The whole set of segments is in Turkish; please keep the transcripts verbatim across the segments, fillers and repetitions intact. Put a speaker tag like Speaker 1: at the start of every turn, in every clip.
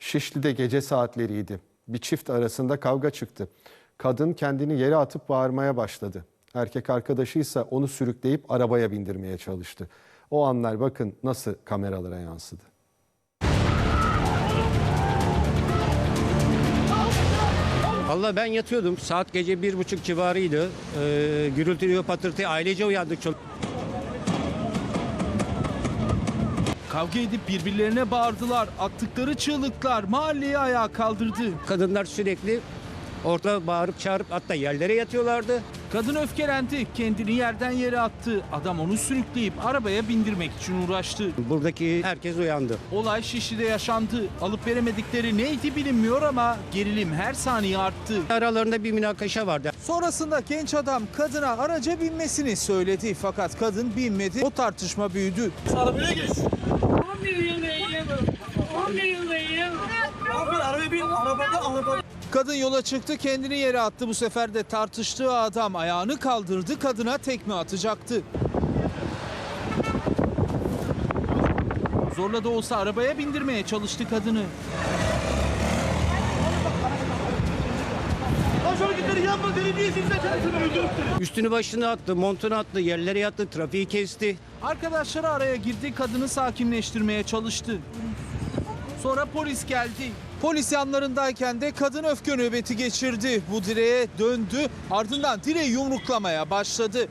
Speaker 1: Şişli'de gece saatleriydi. Bir çift arasında kavga çıktı. Kadın kendini yere atıp bağırmaya başladı. Erkek arkadaşı ise onu sürükleyip arabaya bindirmeye çalıştı. O anlar bakın nasıl kameralara yansıdı.
Speaker 2: Vallahi ben yatıyordum. Saat gece bir buçuk civarıydı. Ee, gürültü, patırtı, ailece uyandık. Çok...
Speaker 3: Kavga edip birbirlerine bağırdılar. Attıkları çığlıklar mahalleyi ayağa kaldırdı.
Speaker 2: Kadınlar sürekli ortada bağırıp çağırıp hatta yerlere yatıyorlardı.
Speaker 3: Kadın öfkelendi, kendini yerden yere attı. Adam onu sürükleyip arabaya bindirmek için uğraştı.
Speaker 2: Buradaki herkes uyandı.
Speaker 3: Olay Şişli'de yaşandı. Alıp veremedikleri neydi bilinmiyor ama gerilim her saniye arttı.
Speaker 2: Aralarında bir münakaşa vardı.
Speaker 3: Sonrasında genç adam kadına araca binmesini söyledi. Fakat kadın binmedi. O tartışma büyüdü.
Speaker 4: Arabaya geç. on bir yıldayım. on bir yıldayım. Abi arabaya bin. Arabada arabada.
Speaker 3: Kadın yola çıktı, kendini yere attı. Bu sefer de tartıştığı adam ayağını kaldırdı, kadına tekme atacaktı. Zorla da olsa arabaya bindirmeye çalıştı kadını.
Speaker 2: Üstünü başını attı, montunu attı, yerlere yattı, trafiği kesti.
Speaker 3: Arkadaşları araya girdi, kadını sakinleştirmeye çalıştı. Sonra polis geldi. Polis yanlarındayken de kadın öfke nöbeti geçirdi. Bu direğe döndü, ardından direği yumruklamaya başladı.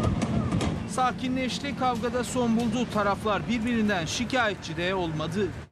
Speaker 3: Sakinleşti, kavgada son buldu. Taraflar birbirinden şikayetçi de olmadı.